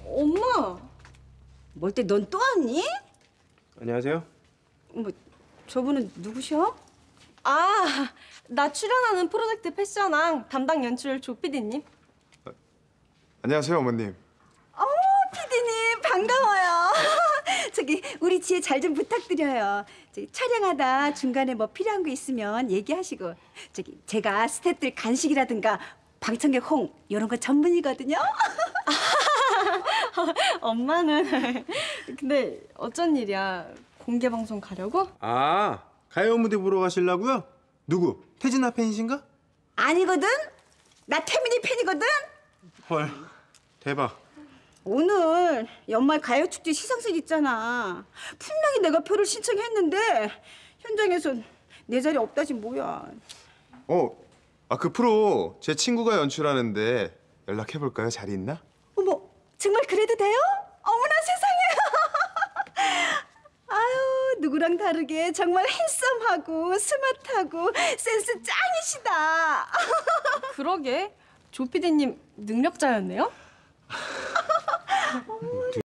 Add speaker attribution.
Speaker 1: 엄마!
Speaker 2: 뭘 때 넌 또 왔니?
Speaker 3: 안녕하세요.
Speaker 2: 뭐 저분은 누구셔?
Speaker 1: 아, 나 출연하는 프로젝트 패션왕 담당 연출 조 PD님.
Speaker 4: 안녕하세요, 어머님.
Speaker 2: 피디님 반가워요. 저기 우리 지혜 잘 좀 부탁드려요. 저기 촬영하다 중간에 뭐 필요한 거 있으면 얘기하시고 저기 제가 스태프들 간식이라든가 방청객 홍 이런 거 전문이거든요.
Speaker 1: 엄마는 근데 어쩐 일이야? 공개 방송 가려고?
Speaker 3: 아, 가요 무대 보러 가시려고요? 누구? 태진아 팬이신가?
Speaker 2: 아니거든. 나 태민이 팬이거든.
Speaker 3: 헐, 대박.
Speaker 2: 오늘 연말 가요축제 시상식 있잖아. 분명히 내가 표를 신청했는데 현장에선 내 자리 없다지 뭐야.
Speaker 4: 그 프로 제 친구가 연출하는데 연락해볼까요? 자리 있나?
Speaker 2: 어머, 정말 그래도 돼요? 어머나 세상에. 아유, 누구랑 다르게 정말 핸섬하고 스마트하고 센스 짱이시다.
Speaker 1: 그러게. 조 PD님 능력자였네요?